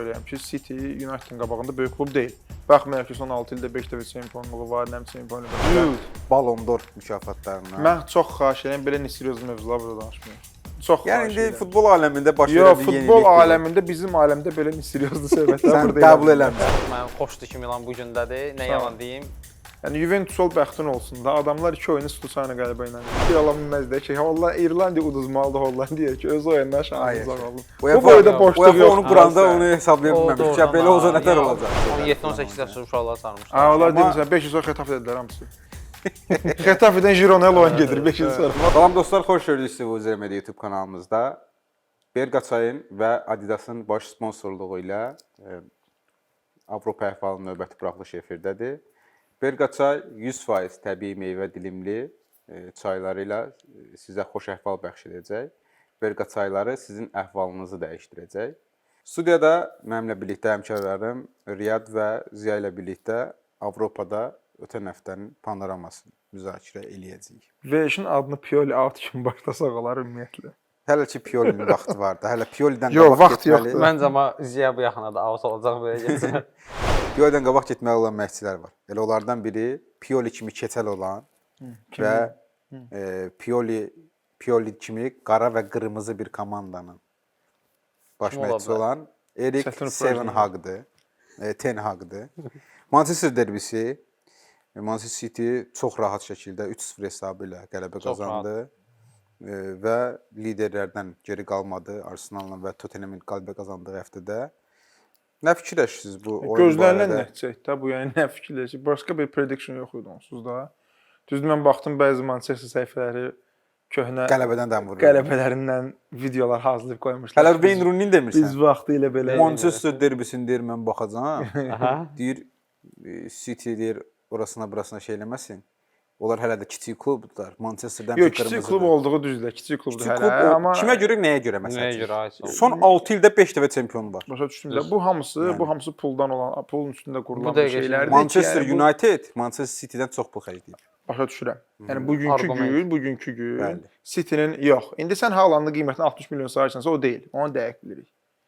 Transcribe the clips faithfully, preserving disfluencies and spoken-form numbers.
spor eləyəm ki, City United-in qabağında böyük klub deyil. Baxmayaraq ki, son altı ildə beş dəfə çempionluğu var, nəm çempionluğu var. Ballon d'Or mükafatlarına. Mən çox xahiş edirəm belə nisiriyoz mövzular burada danışmayaq. Çox xahiş yəni edirəm. indi futbol aləmində baş Yo, verən bir yenilik. futbol aləmində bizim aləmdə belə nisiriyozlu söhbətlər Sən burada qəbul eləmirsən. Mən xoşdur ki, Milan bu gündədir. Nə yalan deyim. Yəni Juventus ol bəxtin olsun da. Adamlar iki oyunu Susana qələbə ilə. Bir ala bilməzdi ki, Allah İrlandiya uduzmalıdır Hollandiya ki, öz oyundan şansımız oldu. Bu boyda boşluq yox. Onu quranda onu hesablaya bilməmiş. Ya belə olsa nətər olacaq? on yeddi on səkkiz yaşlı uşaqlar sarmışlar. Ha, onlar demirsən beş il sonra Xetafe dedilər hamısı. Xetafedən Girona'ya oyun gedir beş il sonra. Salam dostlar, xoş gördük sizi bu Zermedi YouTube kanalımızda. Berqaçayın və Adidas'ın baş sponsorluğu ilə Avropa əhvalının növbəti buraxılışı efirdədir. Berqaçay yüz faiz təbii meyvə dilimli çayları ilə sizə xoş əhval bəxş edəcək. Berqaçayları sizin əhvalınızı dəyişdirəcək. Studiyada mənimlə birlikdə həmkarlarım Riyad və Ziya ilə birlikdə Avropada ötən həftənin panoramasını müzakirə eləyəcəyik. Veşin adını Pioli out kimi başlasaq olar ümumiyyətlə. Hələ ki Pioli'nin vaxtı vardı. Hələ Pioli'dən qabaq vaxt yoxdur. Məncə amma Ziya bu yaxına da out olacaq belə getsə. Pioli'dən qabaq getməli olan məşqçilər var. Elə onlardan biri Pioli kimi keçəl olan və e, Pioli Pioli kimi qara və qırmızı bir komandanın baş məşqçisi olan Erik Ten Hag'dır. E, Ten Hag'dır. Manchester derbisi Manchester City çox rahat şəkildə üç sıfır hesabı ilə qələbə qazandı e, və liderlərdən geri qalmadı. Arsenal'la və Tottenham'in qələbə qazandığı həftədə. Nə fikirləşirsiniz bu oyun barədə? Gözlənilən nəticə də bu, yəni nə fikirləşir? Başqa bir prediction yox idi onsuz da. Düzdür, mən baxdım bəzi Manchester səhifələri köhnə qələbədən dəm vurur. Qələbələrindən videolar hazırlayıb qoymuşlar. Hələ Wayne Rooney demirsən. Biz vaxtı ilə belə Manchester derbisini deyir mən baxacağam. Deyir City deyir orasına burasına şey eləməsin. Onlar hələ də kiçik klubdular. Manchesterdən yox, kiçik klub olduğu düzdür, kiçik klubdur hələ. Amma kimə görə, nəyə görə məsələn? Nəyə görə aid? Son altı ildə beş dəfə çempion var. Başa düşdüm də. Bu hamısı, yəni. bu hamısı puldan olan, pulun üstündə qurulan bir şeylərdir. Manchester ki, yəni, United bu... Manchester City'dən çox pul xərcləyir. Başa düşürəm. Yəni bugünkü Argument. gün, bugünkü gün Bəli. City'nin yox. İndi sən Haalandın qiymətini altmış milyon sayırsansa o deyil. Onu dəqiq bilirik.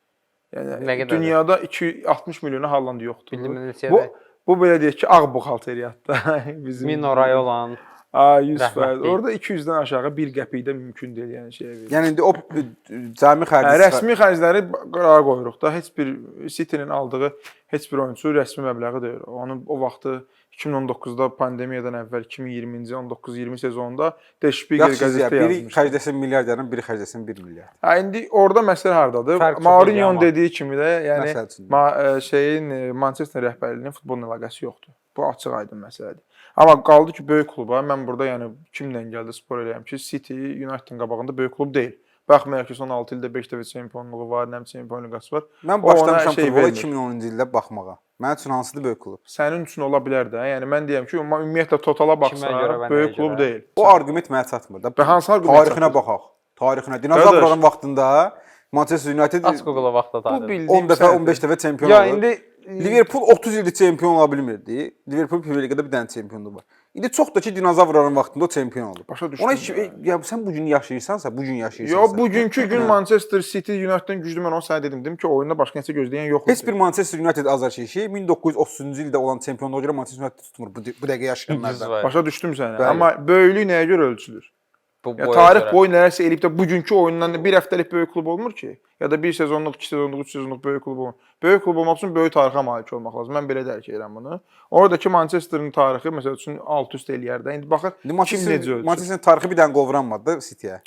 Yəni dünyada iki yüz altmış milyona Haaland yoxdur. Bu bu belə deyək ki, ağ buxalteriyyatda bizim Minoray olan A yüz faiz. Orada iki yüzdən aşağı bir qəpik də mümkün deyil, yəni şeyə verir. Yəni indi o cəmi xərcləri, hə, rəsmi xərcləri qərara qoyuruq da. Heç bir City'nin aldığı heç bir oyunçu rəsmi məbləği deyil. Onun o vaxtı iki min on doqquzda pandemiyadan əvvəl iki min iyirminci on doqquz iyirmi sezonunda Der Spiegel qəzetdə yazmışdı. Biri xərcləsin milyard yarım, biri xərcləsin bir milyard. Hə, indi orada məsələ hardadır? Mourinho'nun dediyi kimi də, yəni ma şeyin Manchester rəhbərliyinin futbolla əlaqəsi yoxdur. Bu açıq aydın məsələdir. Amma qaldı ki, böyük kluba, mən burada yəni kimlə gəldi spor eləyəm ki, City United-in qabağında böyük klub deyil. Baxmayaraq ki, son altı ildə beş dəfə çempionluğu var, nəm çempionluğu var. Mən başlamışam şey futbola iki min onuncu ildə baxmağa. Mənim üçün hansıdır böyük klub? Sənin üçün ola bilər də. Yəni mən deyirəm ki, ümumiyyətlə totala baxsaq, böyük klub deyil. O arqument mənə çatmır da. Hansı arqument? Tarixinə baxaq. Tarixinə. Dinozavrların vaxtında Manchester United aç Google-a vaxtda tarixi. on dəfə, on beş dəfə çempion oldu. Ya indi Liverpool otuz ildir çempion ola bilmirdi. Liverpool Premier Liqada bir dənə çempionluğu var. İndi çox da ki dinozavrların vaxtında o çempion oldu. Başa düşdüm. Ona heç ya sən bu gün yaşayırsansa, bu gün yaşayırsansa. Yo, bugünkü gün Manchester City United-dan güclü, mən onu sənə dedim, dedim ki, oyunda başqa nəsə gözləyən yox idi. Heç bir Manchester United azarkeşi min doqquz yüz otuzuncu ildə olan çempionluğa görə Manchester United tutmur bu, bu dəqiqə yaşayanlardan. Başa düşdüm sənə. Amma böyüklük nəyə görə ölçülür? Bu ya tarix boyu nələrsə eləyib də bugünkü oyundan bir həftəlik böyük klub olmur ki, ya da bir sezonluq, iki sezonluq, üç sezonluq böyük klub olmur. Böyük klub olmaq üçün böyük tarixə malik olmaq lazım. Mən belə dərk edirəm bunu. Oradakı Manchester'ın tarixi məsəl üçün alt-üst eləyər də. İndi baxır kim necə ölçür. Manchester'ın tarixi bir dənə qovranmadı City'yə.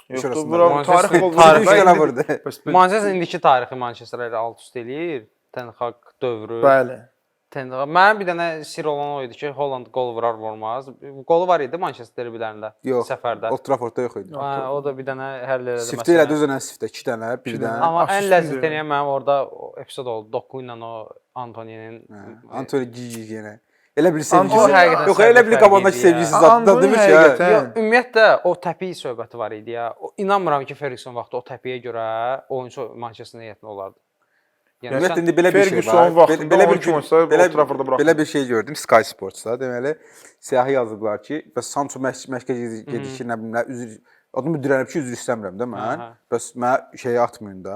Tarix qovranmadı. Manchester indiki tarixi Manchester ilə alt-üst eləyir. Ten Hag dövrü. Bəli. Mənim bir dənə sir olan o idi ki, Holland qol vurar vurmaz. Qolu var idi Manchester derbilərində səfərdə. Old Traffordda yox idi. Hə, o da bir dənə həll elədi məsələn. Siftə elədi özünə siftə iki dənə, bir dənə. Amma ən ləzzət eləyən mənim orada epizod oldu. Doku ilə o Antoninin Antoni Gigi yenə. Elə bir sevgisi. Yox, elə bir qabandakı sevgisi zadda demiş ya. Yox, ümumiyyətlə o təpi söhbəti var idi ya. İnanmıram ki, Ferguson vaxtı o təpiyə görə oyunçu Manchester heyətinə olardı. Yəni ümumiyyətlə indi belə bir şey var. Belə bir belə belə bir şey gördüm Sky Sports-da. Deməli, siyahı yazıblar ki, bəs Sancho məşqə gedişi nə bilim, üzr adımı dirənib ki, üzr istəmirəm də mən. Bəs mənə şeyə atmayın da.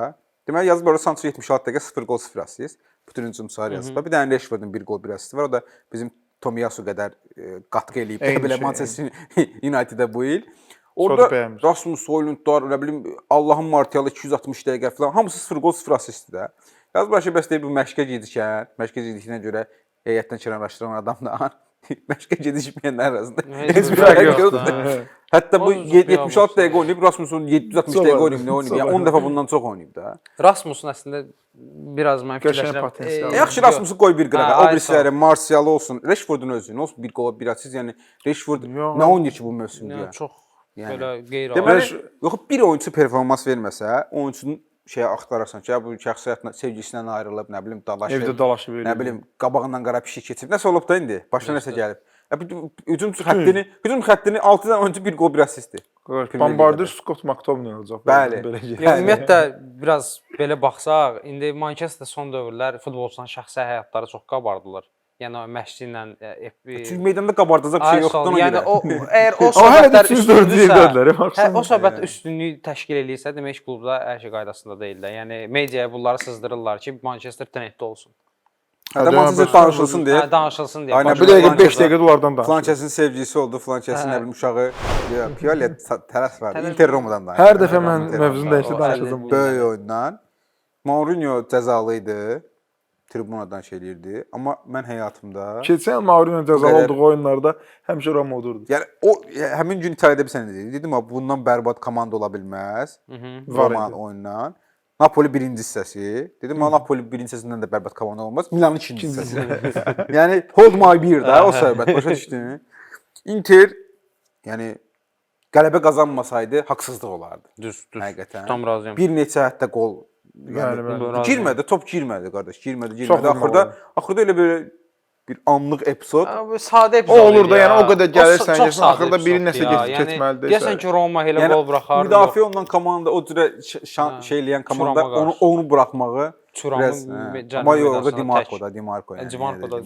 Deməli yazıb orada Sancho yetmiş altı dəqiqə sıfır gol sıfır assist. Bütün hücum sayəsində. Bir dənə Rashfordun bir gol bir assisti var. O da bizim Tomiyasu qədər e, qatqı eləyib. Belə Manchester United-ə bu il. Orada Rasmus Højlundlar, nə bilim Allahın Martialı iki yüz altmış dəqiqə falan hamısı sıfır gol sıfır assistdir də. Yazıb Rashid bəs deyir bu məşqə gedikən, məşqə gedikdən görə heyətdən kənarlaşdıran adamla məşqə gedişməyənlər arasında heç bir fərq yoxdur. Hətta bu yetmiş altı dəqiqə oynayıb, Rasmusun yeddi yüz altmış dəqiqə oynayıb, nə oynayıb? Yəni on dəfə bundan çox oynayıb da. Rasmusun əslində biraz mən fikirləşirəm. Yaxşı Rasmusu qoy bir qırağa. O birisləri Martial olsun, Rashfordun özü, nə olsun bir gol bir assist. Yəni Rashford nə oynayır ki bu mövsümdə? Yəni çox belə qeyri-adi. Deməli, yox bir oyunçu performans verməsə, oyunçunun şeyə axtararsan ki, bu şəxsi həyatına sevgisindən ayrılıb, nə bilim dalaşıb, evdə dalaşıb, nə bilim qabağından qara pişik keçib. Nəsə olub da indi? Başına nəsə gəlib. Hücum xəttini, hücum xəttini altı dənə oyunçu bir gol bir assistdir. Bombardier Scott McTominay olacaq. Bəli. Yəni ümumiyyətlə biraz belə baxsaq, indi Manchester son dövrlər futbolçuların şəxsi həyatları çox qabardılar. Yəni o məşqçi ilə çünki meydanda qabardacaq bir şey yoxdur. Yəni o əgər o söhbətlər üstünlüksə, o söhbət üstünlük təşkil eləyirsə, demək ki, klubda hər şey qaydasında deyil də. Yəni mediaya bunları sızdırırlar ki, Manchester trenddə olsun. Hətta Manchester danışılsın deyə. Hə, danışılsın deyə. Aynen bir dəqiqə beş dəqiqə onlardan danışır. Flançesin sevgilisi oldu, Flançesin nə bilim uşağı. Pioli tərəf var. Inter Romadan danışır. Hər dəfə mən mövzunu dəyişib danışacağam. Böyük oyundan. Mourinho cəzalı idi. Tribunadan şey eləyirdi. Amma mən həyatımda keçən Mourinho cəzalı olduğu oyunlarda həmişə Roma olurdu. Yəni o həmin gün İtaliyada bir sənə dedim. Dedim ha bundan bərbad komanda ola bilməz. Roma oyundan. Napoli birinci hissəsi. Dedim ha Napoli birinci hissəsindən də bərbad komanda olmaz. Milanın ikinci hissəsi. Yəni hold my beer də o söhbət başa düşdün. Inter yəni qələbə qazanmasaydı haqsızlıq olardı. Düz, düz. Həqiqətən. Tam razıyam. Bir neçə hətta qol yəni girmədi, top girmədi qardaş, girmədi, girmədi. Axırda axırda elə belə bir anlıq epizod. Bu sadə epizod. O olur da, yəni o qədər gəlirsən, gəlsən axırda biri nəsə keçməlidir. Deyəsən ki, Roma elə gol buraxar. Müdafiə olunan komanda, o cürə şey eləyən komanda onu onu buraxmağı Turamın amma orada Di Marco da, Di Marco yəni. Di Marco da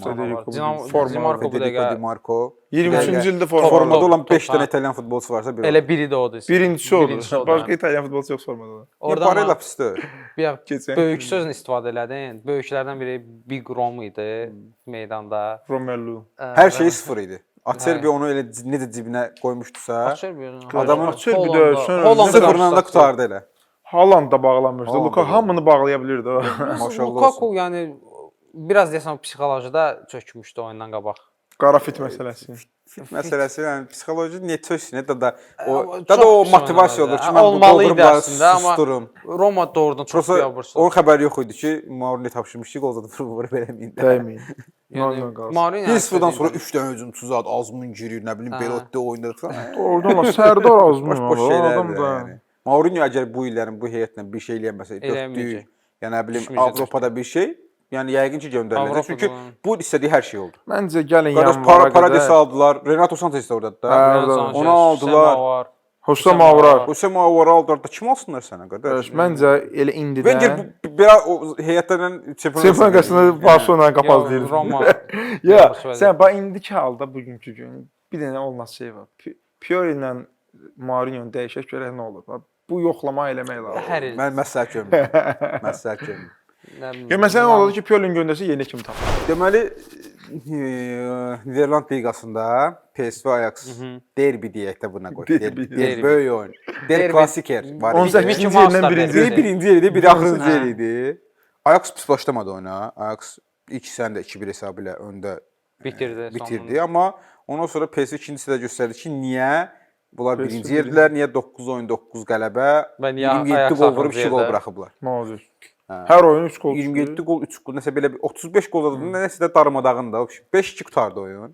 Di Marco bu dəqiqə Di Marco. iyirmi üçüncü ildə formada olan beş dənə İtalyan futbolçusu varsa biri. Elə biri də odur. Birincisi odur. Başqa İtalyan futbolçusu yox formada. Orada Barella pisdir. Böyük sözlə istifadə elədin. Böyüklərdən biri Big Rom idi meydanda. Romelu. Hər şey sıfır idi. Acerbi onu elə necə cibinə qoymuşdusa, adamın Acerbi də sıfırla da qutardı elə. Haaland da bağlanmışdı. Luka hamını bağlaya bilirdi o. Maşallah. Lukaku yəni biraz deyəsən psixolojida çökmüşdü oyundan qabaq. Qara fit məsələsi. Fit məsələsi, yəni psixoloji niyə çöksün, da da o da da o motivasiya olur ki, mən olmalı idi əslində, amma susturum. Roma doğrudan çox biabırsa. Onun xəbəri yox idi ki, Mourinho tapşırmış ki, qol zada vurub verəməyin. Dəyməyin. Mourinho bir sıfırdan sonra üç dənə hücumçu zad Azmun girir, nə bilim Belotti oynayır falan. Oradan var, Sərdar Azmun boş şeylərdir yəni. Mourinho əgər bu illərin bu heyətlə bir şey eləyəməsə, dörddü, yəni nə bilim Avropada bir şey, yəni yəqin ki göndəriləcək. Çünki bu istədiyi hər şey oldu. Məncə gəlin yanvara qədər. Paradis aldılar. Renato Sanchez də ordadır da. Onu aldılar. Hüsam Mavrar. Hüsam Mavrar aldılar da kim alsınlar sənə qardaş? Məncə elə indidən. Məncə belə o heyətlərdən Çempionlar Liqasını Barcelona qapazlayır. Roma. Ya, sən bax indiki halda bugünkü gün bir dənə olmaz şey var. Pioli ilə Mourinho dəyişək görək nə olur. Bu yoxlama eləmək lazımdır. Mən məsləhət görmürəm. Məsləhət görmürəm. Ya məsələn oldu ki, Piolin göndərsə yeni kim tapır. Deməli Niderland liqasında P S V Ajax derbi deyək də buna qoy. Derbi böyük oyun. Der klassiker var. on səkkizinci yerdən birinci. Biri birinci yerdə, biri axırıncı yer idi. Ajax pis başlamadı oyuna. Ajax ilk hissəndə iki bir hesabı ilə öndə bitirdi. Bitirdi, amma ondan sonra P S V ikinci hissədə göstərdi ki, niyə bunlar birinci yerdilər, niyə doqquz oyun doqquz qələbə, iyirmi yeddi gol vurub iki gol buraxıblar. Mazur. Hər oyun üç gol. iyirmi yeddi gol, üç gol, nəsə belə otuz beş gol oldu. Nəsə də darmadağında. beş iki qutardı oyun.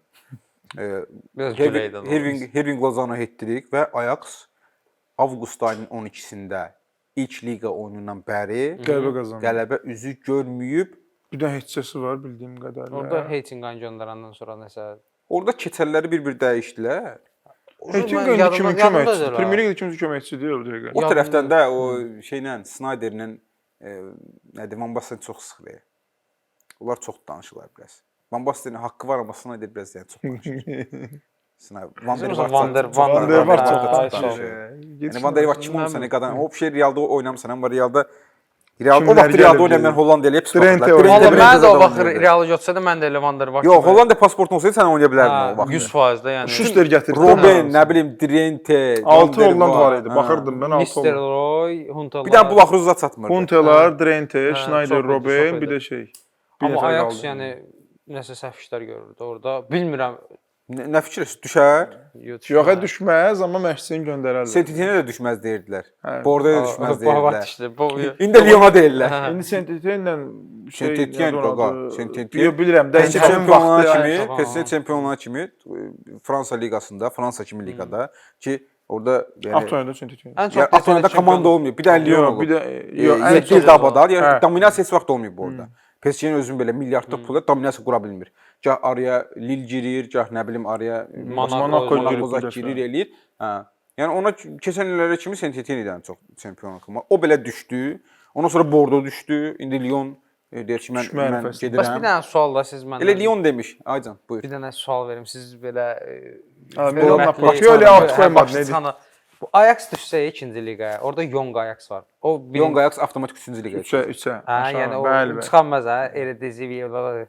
Herving Lozano hat-trick və Ajax avqust ayının on ikisində ilk liqa oyunundan bəri qələbə qazandı. Qələbə üzü görməyib. Bir də heçəsi var bildiyim qədərilə. Orada Heitinqan göndərəndən sonra nəsə orada keçəlləri bir-bir dəyişdilər. Heitinqan kimi köməkçi, Premier Liqdə kimsə köməkçi deyil o dəqiqə. O tərəfdən də o şeylə Snyderlə nədir, Van Basten çox sıxır. Onlar çox danışırlar biraz. Van Bastenin haqqı var, amma Snyder biraz yəni çox danışır. Van der Vaart Van der Vaart çox danışır. Yəni Van der Vaart kim olsa nə qədər o şey Realda oynamısan, amma Realda Real o vaxt Realda oynamayan Hollandiyalı hep Trente Valla Trente mən də o vaxt Realı götürsədə mən də Levander var. Yox, Hollandiya pasportun olsaydı sən oynaya bilərdin o vaxt. yüz faiz də yəni. Schuster gətirdi. Robben, nə bilim, Trente, altı Holland var idi. Baxırdım mən altı Holland. Nistelrooy, Huntelaar. Bir də bu vaxt uzat çatmırdı. Huntelaar, Trente, Schneider, Robben, bir də şey. Amma Ajax yəni nəsə səhv işlər görürdü orada. Bilmirəm. Nə fikirləşir? Düşər? Yox, düşməz, amma məşqçini göndərərlər. Saint-Étienne də düşməz deyirdilər. Bordeaux da düşməz deyirdilər. İndi Lyona deyirlər. İndi Saint-Étienne şey Saint-Étienne qaqa. Saint-Étienne. Yox, bilirəm. P S G çempionluğuna kimi, P S G çempionluğuna kimi Fransa liqasında, Fransa kimi liqada ki orada yəni Avtoyanda Saint-Étienne. Ən çox Avtoyanda komanda olmuyor. Bir də Lyon olur. Bir də yox, yeddi il dabadar. Yəni dominasiya heç vaxt olmayıb bu orada. P S G-nin özünün belə milyardlıq pula dominasiya qura bilmir. Gah araya Lille girir, gah nə bilim araya Monaco girir, eləyir. Hə. Yəni ona keçən illərə kimi Saint-Étienne-dən çox çempionluq. O belə düşdü. Ondan sonra Bordeaux düşdü. İndi Lyon deyir ki, mən mən gedirəm. Bəs bir dənə sual da siz məndən. Elə Lyon demiş. Aycan, buyur. Bir dənə sual verim. Siz belə Pioli out qoymadı nə? Bu Ajax düşsə ikinci liqaya, orada Young Ajax var. O Young Ajax avtomatik üçüncü liqaya. üçə, üçə. Hə, yəni o çıxanmaz hə, Eredivisie.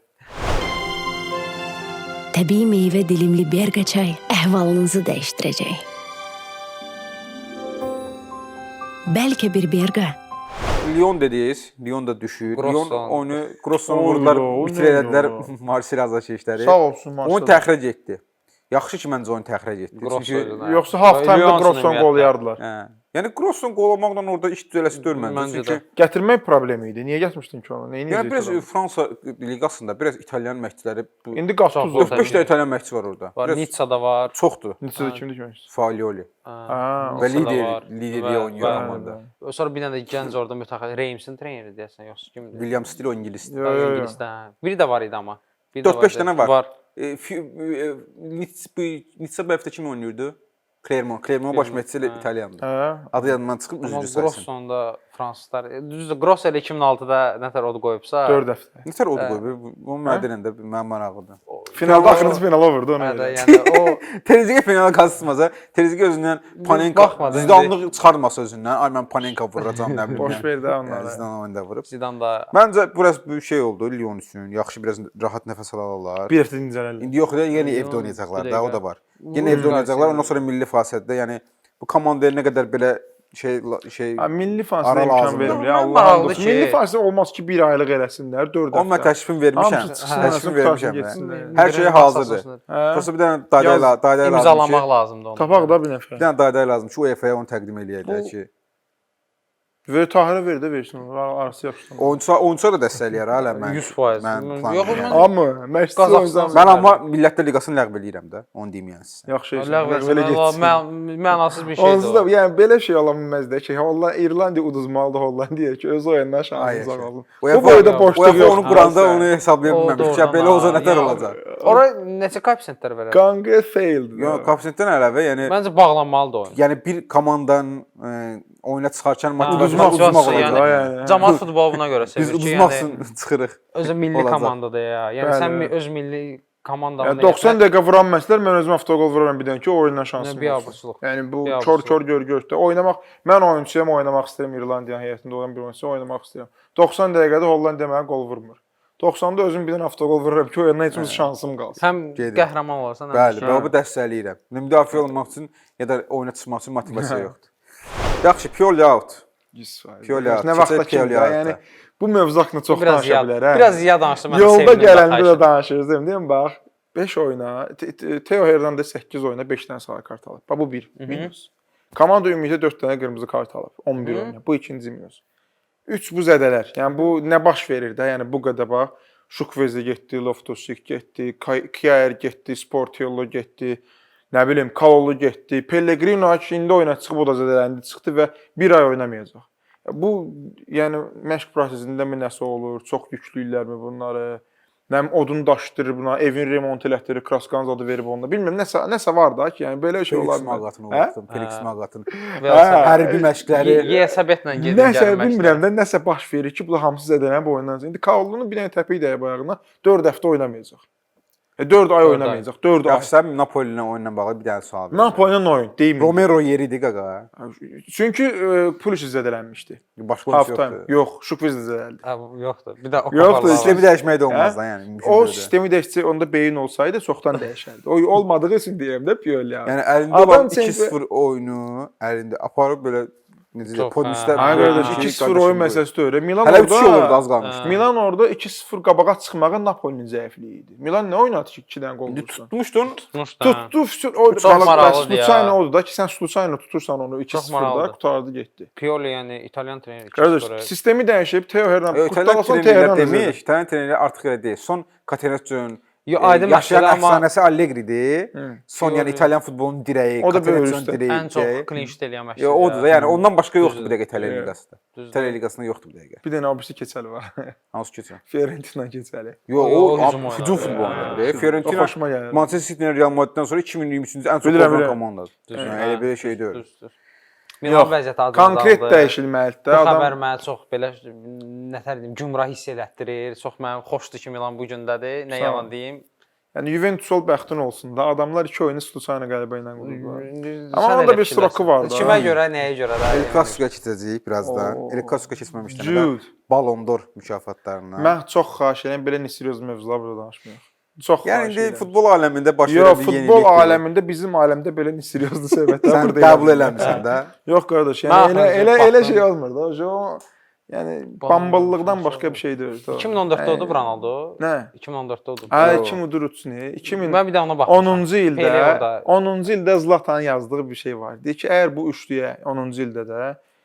Təbii meyvə dilimli Berqa çay əhvalınızı dəyişdirəcək. Bəlkə bir Berqa. Lyon dediniz, Lyon da düşür. Lyon oyunu Grosson vurdular, bitirədilər Marseille azarkeşləri. Sağ olsun Marseille. Onu təxric etdi. Yaxşı ki, məncə oyunu təxric etdi. Çünki yoxsa half time-da Grosson qol yardılar. Hə. Yəni Grosson qol olmaqla orada iş düzələsi görmədim. Çünki gətirmək problemi idi. Niyə gətirmişdin ki onu? Nəyi yəni biraz Fransa liqasında biraz İtalyan məşqçiləri indi Gattuso dörd beş də İtalyan məşqçi var orada. Var, Nitsada var. Çoxdur. Nitsada kimdir ki? Fagioli. Ha, və lider, lideri oynayır komanda. Sonra bir dənə də gənc orada mütəxəssis Reimsin treneri deyəsən, yoxsa kimdir? William Steele o ingilisdir. İngilisdə. Biri də var idi amma. dörd beş dənə var. Var. Nitsa bu həftə kim oynayırdı? Clermont. Clermont baş məşqçisi İtalyandır. Adı yadımdan çıxıb üzrü sayısın. Grossonda fransızlar. Düzdür, Gross elə iki min altıda nətər odu qoyubsa. dörd həftə. Nətər odu qoyub? O mənə mənim maraqlıdır. Finalda axırıncı finala vurdu ona. Hə, yəni o Trezeguet finala qazısmasa, Trezeguet özündən Panenka Zidanlıq çıxarmasa özündən, ay mən Panenka vuracağam nə bilim. Boş ver də onlara. Zidan oyunda vurub. Zidan da Məncə biraz bir şey oldu Lyon üçün. Yaxşı biraz rahat nəfəs alarlar. Bir həftə dincələrlər. İndi yox, yenə evdə oynayacaqlar da, o da var. Yenə evdə oynayacaqlar, ondan sonra milli fasilədə, yəni bu komandaya nə qədər belə şey şey ha, milli fasilə imkan verir ya Allah'ın dostu. Milli fasilə olmaz ki bir aylıq eləsinlər, dörd həftə. Amma təklifin vermişəm. Təklifin vermişəm. Hər şey hazırdır. Prosta bir dənə daydayla, daydayla imzalamaq lazımdır onu. Tapaq da bir nəfər. Bir dənə dayday lazım ki, UEFA-ya onu təqdim eləyəcək ki. Və Tahirə ver də versin, arası yaxşıdır. Oyunçular, oyunçular da dəstəkləyər hələ mən. yüz faiz. Yox, amma məşqçi oyunçular. Mən amma Millətlər Liqasını ləğv eləyirəm də, onu deyim yəni sizə. Yaxşı. Ləğv etsin. Mənasız bir şeydir. Onsuz da yəni belə şey ola bilməz də ki, Holland İrlandiya uduzmalıdır Hollandiyaya ki, öz oyundan şansınız qalsın. Bu boyda boşluq yox. Onu quranda onu hesablaya bilməmiş ki, belə olsa nətər olacaq. Ora neçə koeffisiyentlər verər? Qanqə failed. Yox, koeffisiyentdən əlavə, yəni məncə bağlanmalıdır oyun. Yəni bir komandanın oyuna çıxarkən motivasiya yəni cəmaət futbolu buna görə sevir ki, yəni biz uduzmaq üçün çıxırıq. Özü milli komandadır ya. Yəni sən öz milli komandanı doxsan dəqiqə vuran məşqçilər mən özüm avtogol vururam bir dənə ki, oyundan şansım olsun. Yəni bu kör-kör gör-gördə oynamaq, mən oyunçuyam, oynamaq istəyirəm İrlandiyanın heyətində olan bir oyunçu oynamaq istəyirəm. doxsan dəqiqədə Hollandiya mənə qol vurmur. doxsanda özüm bir dənə avtogol vururam ki, oyundan heç bir şansım qalsın. Həm qəhrəman olarsan, həm bəli, mən bu dəstəkləyirəm. Müdafiə olmaq üçün ya da oyuna çıxmaq üçün motivasiya yoxdur. Yaxşı, Pioli out. Pioli out. Nə vaxtda ki, yəni bu mövzu haqqında çox danışa bilər, hə. Biraz ziya danışdım, mən sevdim. Yolda gələndə də danışırız, deyim, bax, beş oyuna, Theo Hernandez səkkiz oyuna beş dənə sarı kart alıb. Bax bu bir minus. Komanda ümumiyyətlə dörd dənə qırmızı kart alıb, on bir oyuna. Bu ikinci minus. üç bu zədələr. Yəni bu nə baş verir də? Yəni bu qədər bax, Şukvezi getdi, Loftus-Cheek getdi, Kjaer getdi, Sportiello getdi. Nə bilim, Kalolu getdi. Pellegrino indi oyuna çıxıb o da zədələndi, çıxdı və bir ay oynamayacaq. Bu, yəni məşq prosesində mi nəsə olur? Çox yüklüyürlərmi bunları? Nəm odun daşdırır buna, evin remont elətdirir, Kraskanz adı verib onunla. Bilmirəm, nəsə nəsə var da ki, yəni belə şey olar. Felix Magatı'nı olardım, Felix Magatı'nı. Hərbi məşqləri. Yesəbətlə gedir, gəlməklə. Nəsə bilmirəm də, nəsə baş verir ki, bu da hamısı zədələnib oyundan. İndi Kalolunu bir dənə təpik dəyə bayağına dörd həftə oynamayacaq. E dörd ay oynamayacaq. dörd ay. Yaxşı, sən Napoli ilə oyunla bağlı bir dənə sual verirəm. Napoli ilə oyun deyim. Romero yeridir qaqa. Çünki e, Pulisic zədələnmişdi. Başqa Half oyunçu time. yoxdur. Yox, Şukviz də zədəldi. Hə, bu yoxdur. Bir də o Yoxdur, kaparlar var. Sistemi dəyişmək də olmaz da, yəni. mümkün O deyil də. sistemi dəyişsə, onda beyin olsaydı çoxdan dəyişərdi. O olmadığı üçün deyirəm də Pioli. Yəni əlində Adam olan çempi- iki sıfır oyunu əlində aparıb belə necə deyək, Çox, polislər. hə. Ay Hə, qardaş, hə. iki sıfır oyun məsələsi deyil. Milan Hələ bir şey olurdu, orada az qalmışdı. Milan orada iki sıfır qabağa çıxmağı Napolinin zəifliyi idi. Milan nə oynadı ki, iki dənə qol İndi vursun? tutmuşdun. Tutmuşdu. hə. Tutdu, füsun- o Çox maraqlıdır ya. Sluçayla odur da ki, sən Sluçayla tutursan onu iki Çox sıfırda maraqlıdır. qutardı getdi. Pioli yəni İtalyan treneri. Qardaş, sistemi dəyişib Teo Hernandez İtalyan qurtarsan trenerlər Teo demiş, Hernandez. İtalyan trenerlər artıq elə deyil. Son Catenaccio'nun Yo, aydın yaşayan məsələ, amma- əfsanəsi Allegri'dir. Son yəni Pioli- İtalyan futbolunun dirəyi, O da böyük Catenaccio'nun üstə. direyi. Ən çox clean sheet eləyən məşqçi. Ya odur da, yəni ondan başqa yoxdur Düzdür. bir dəqiqə İtalyan Evet. liqasında. Düzdür. İtalyan liqasında yoxdur bir dəqiqə. Bir dənə abisi keçəli var. Hansı keçir? Fiorentina keçəli. Yo, O- o o hücum hücum, oynadı. hücum futboludur. Hə, E, O Fiorentina xoşuma gəlir. Manchester City-dən Real Madrid-dən sonra iki min iyirmi üçüncü ən çox Bilirəm, qovan bilirəm. komandadır. Düzdür, Yəni hə. elə belə şey deyil. Düzdür. Milan vəziyyəti acı. Konkret dəyişilməlidir Bu də. xəbər Adam mənə çox belə nətər deyim, gümrah hiss elətdirir. Çox mənim xoşdur ki, Milan bu gündədir. Nə Sağ ol. yalan deyim. yəni Juventus ol bəxtin olsun da. Adamlar iki oyunu Sluçayla qələbə ilə qurublar. Sən Amma onda elə bir fikirləşsən. stroku var da. Kimə görə, nəyə görə də? El Clasico keçəcəyik birazdan. Oo. El Clasico keçməmişdən Jude. əvvəl Ballon d'Or mükafatlarına. Mən çox xahiş edirəm belə nisiryoz mövzular burada danışmayaq. Çox Yəni xahiş indi edirəm. futbol aləmində baş Yox, verən bir futbol yenilik. aləmində bizim aləmdə belə nisiryozlu söhbətlər Sən burada qəbul eləmirlər. eləmirsən də. Yox qardaş, Mən yəni elə axırıncı elə elə baxdım. şey olmur da. O yəni bamballıqdan başqa bir şey deyil. iki min on dörddə oldu Ronaldo. Nə? iki min on dörddə oldu. Hə, iki min Drutni, iki min Mən bir də ona baxdım. onuncu Pele ildə orada. onuncu ildə Zlatanın yazdığı bir şey var. Deyir ki, əgər bu üçlüyə onuncu ildə də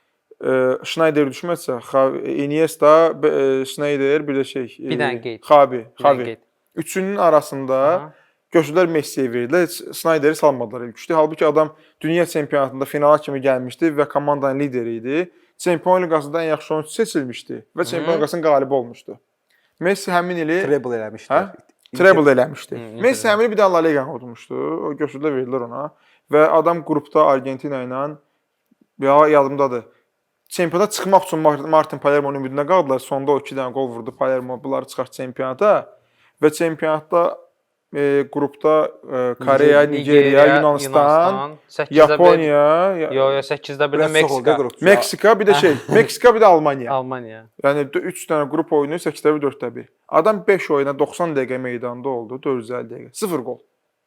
e, Schneider düşməsə, Xavi- Iniesta, e, Schneider, bir də şey, e, Bir dənə qeyd. Xavi, Bir dənə Xavi. qeyd. Üçünün arasında Aha. götürdülər Messiyə verdilər. Heç Snyder'i salmadılar ilk üçdə. Halbuki adam dünya çempionatında finala kimi gəlmişdi və komandanın lideri idi. Çempion liqasında ən yaxşı oyunçu seçilmişdi və Çempion liqasının qalibi olmuşdu. Messi həmin ili Treble eləmişdi. Hə? treble eləmişdi. Hı, Messi həmin ili bir də La Liga udmuşdu. O götürdülər verdilər ona və adam qrupda Argentina ilə ya yadımdadır. Çempionata çıxmaq üçün Martin Palermo'nun ümidinə qaldılar. Sonda o iki dənə qol vurdu Palermo, bunları çıxart çempionata və çempionatda e, qrupda e, Koreya, Nigeriya, Yunanistan, Yaponiya, Yo, yo, səkkizdə bir də Biraz çox oldu Meksika. qrup. Meksika, bir də şey, Meksika, bir də Almaniya. Almaniya. Yəni üç dənə qrup oyunu səkkizdə bir, dörddə bir. Adam beş oyuna doxsan dəqiqə meydanda oldu, dörd yüz əlli dəqiqə. sıfır qol.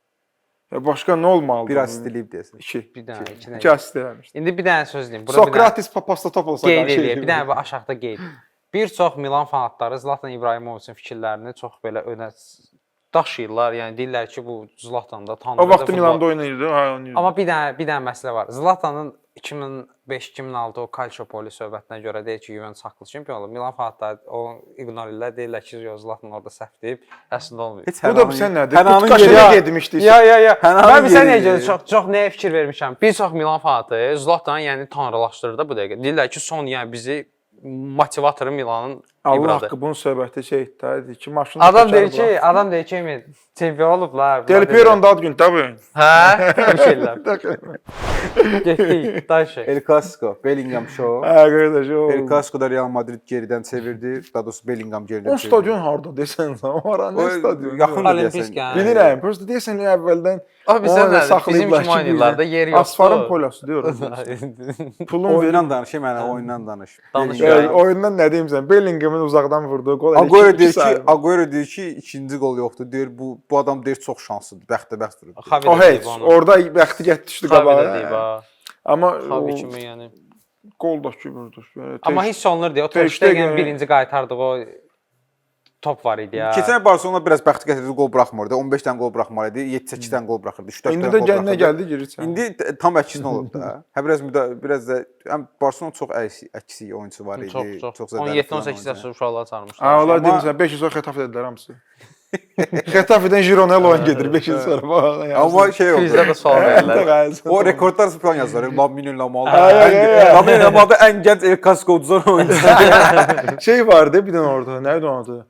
Ya başqa nə olmalıdır? Bir asist eləyib deyəsən. iki. Bir dənə, iki dənə. İki asist eləmişdi. İndi bir dənə söz deyim. Burada bir dənə Sokratis Papastopoulos qeyd eləyək. Bir dənə bu aşağıda qeyd. Bir çox Milan fanatları Zlatan İbrahimovicin fikirlərini çox belə önə daşıyırlar. Yəni deyirlər ki, bu Zlatan da tanrıdır. O vaxt futbol- Milanda oynayırdı, ha oynayırdı. Amma bir dənə bir dənə məsələ var. Zlatanın iki min beş iki min altı o Calciopoli söhbətinə görə deyir ki, Juventus haqlı çempion olub. Milan fanatları o ignor edirlər, deyirlər ki, yox, Zlatan orada səhv deyib, əslində olmayıb. Heç Bu da sən nədir? Hənanın Tutkaşına yeri- getmişdi. Ya ya ya. Hənanın Mən bir sən yeri- necə çox çox nəyə fikir vermişəm. Bir çox Milan fanatı Zlatanı yəni tanrılaşdırır da bu dəqiqə. Deyirlər ki, son yəni bizi motivatoru Milanın Allah İbradır. haqqı bunun söhbəti şey etdi. Deyir ki, maşını Adam deyir ki, adam deyir ki, Emin çempion olublar. Del Piero'nun da ad günü də bu gün. Hə? Bir şeylər. Getdik, daşı. El Clasico, Bellingham show. Hə, qardaş, o. El Clasico'da Real Madrid geridən çevirdi. Daha doğrusu Bellingham geridən O çevirdi. stadion harda desən sən? O ara nə O stadion? yaxın Olimpisk deyəsən. yəni. Bilirəm. Prosta deyəsən əvvəldən Abi onu sən da nədir? Bizim saxlayıblar kimi ki, oynayırlarda yer yoxdur. Asfarın polası deyirəm. Pulun verin. Oyundan danış, mənə oyundan danış. Danış. Bellingham- Ee, oyundan nə deyim sən? Bellinghamın uzaqdan vurduğu qol. elə Agüero iki- deyir iki ki, sayılır. Agüero deyir ki, ikinci qol yoxdur. Deyir bu bu adam deyir çox şanslıdır. Bəxtəbəxt vurub. deyir. O heç. Orada bəxti get düşdü Xavi də qabağa. deyib ha. Amma Xavi o kimi yəni. qol da ki vurdu. Yəni, Amma tez- hiss olunur deyə o Ter Ter Stegen Stegen- birinci qaytardığı o top var idi ya. Keçən Barselona biraz bəxti gətirdi, qol buraxmırdı. on beş dənə qol buraxmalı idi, yeddi səkkiz dənə qol buraxırdı. üç dörd İndi dənə də qol gəlinə buraxırdı. gəldi girir sən. İndi t- tam əksinə olub da. Hə biraz müda biraz da həm Barselona çox əksik, əksik oyunçu var idi. Çox çox. zədəli on yeddi falan on səkkiz oyuncu. yaşlı uşaqlar çağırmışlar. Ha, onlar Amma- demirsən beş il sonra Xetaf dedilər hamısı. Xetafdən Gironella oyun gedir beş il sonra. Bax, Amma şey oldu. Bizdə də sual verirlər. O rekordlar falan yazılır. Lamine Yamal. Ay, ay, ay, ay. Lamine Yamal da ən gənc El Clasico uduzan oyuncu. şey vardı bir dənə orada. Nə idi onun adı?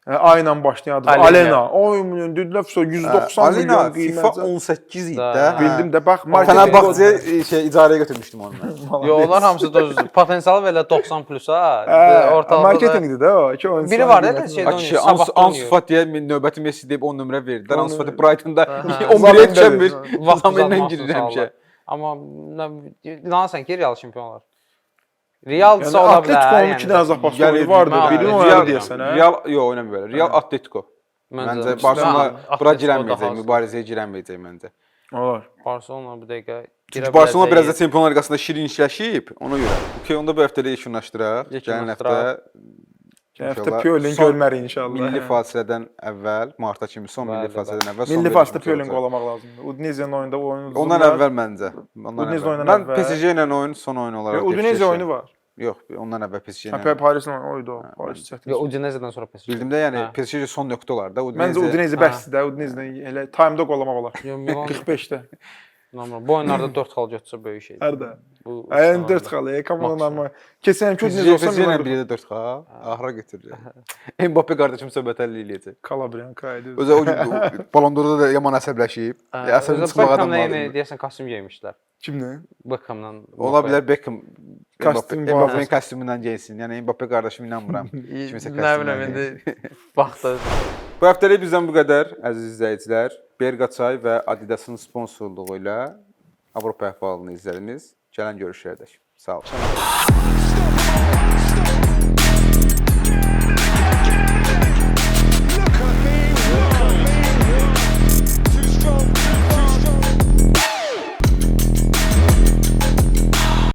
A ilə başlayan adı. Alena. Oy, dedilər yüz doxsan milyon FIFA qiymətə. on səkkiz idi Da. də. Bildim də bax Fenerbahçe'ye şey icarəyə götürmüşdüm onu mən. Yo, onlar hamısı da potensialı belə doxsan plusa. Ortalıqda marketinqdir də o. İki oyunçu. Biri var da şeydə Akişi oynayır. Sabah Ansu Fati'ye növbəti Messi deyib on nömrə verdilər. Ansu Fati Brighton'da on birə yetişəmir. Zamanla girir həmişə. Amma inanırsan ki, Real çempion olar. Realsa ola bilər. Atletico'nun iki dənə zapası vardı. Birini oynadı deyəsən, hə? Real, yox, oynamır belə. Real Atletico. Məncə Barcelona bura girəməyəcək, mübarizəyə girəməyəcək məncə. Olar. Barcelona bu dəqiqə Çünki Barcelona biraz da Çempionlar Liqasında şirinləşib, ona görə. Okey, onda bu həftədə yekunlaşdıraq. Gələn həftə Gələn həftə Piolin görmərik inşallah. Milli fasilədən əvvəl, marta kimi son milli fasilədən əvvəl. Milli fasilədə Piolin qolamaq lazımdır. Udinese-nin oyunda oyunu. Ondan əvvəl məncə. Udinese oyundan əvvəl. Mən əvvəl. P S G ilə oyun son oyun olaraq. Udinese oyunu var. Yox, ondan əvvəl P S G ilə. Hə, Parisin oyunu o. Paris çətin. Yox, Udinese-dən sonra P S G. Bildim də, yəni P S G son nöqtə olar da. Məncə Udinese bəsdir də. Udinese elə time-da qolamaq olar. qırx beşdə. Normal. Bu oyunlarda dörd xal götürsə böyük şeydir. Hərdə. Ayın dörd xal, komanda normal. Keçən ki Udinese olsa Udinese ilə birdə dörd xal. Ahıra götürür. Mbappe qardaşım söhbət əlli eləyəcək. Kalabriyanka idi. Özü o Ballon d'Orda da yaman əsəbləşib. Əsəbli çıxmaq adam var. Beckhamla deyəsən kostyum geymişlər. Kimlə? Beckhamla. Ola bilər Beckham Kostyum Mbappe'nin kostyumundan geyinsin. Yəni Mbappe qardaşım inanmıram. Kimisə Nə bilim indi vaxtı. Bu həftəlik bizdən bu qədər, əziz izləyicilər. Berqaçay və Adidas'ın sponsorluğu ilə Avropa əhvalını izlədiniz. Gələn görüşlərədək. Sağ olun.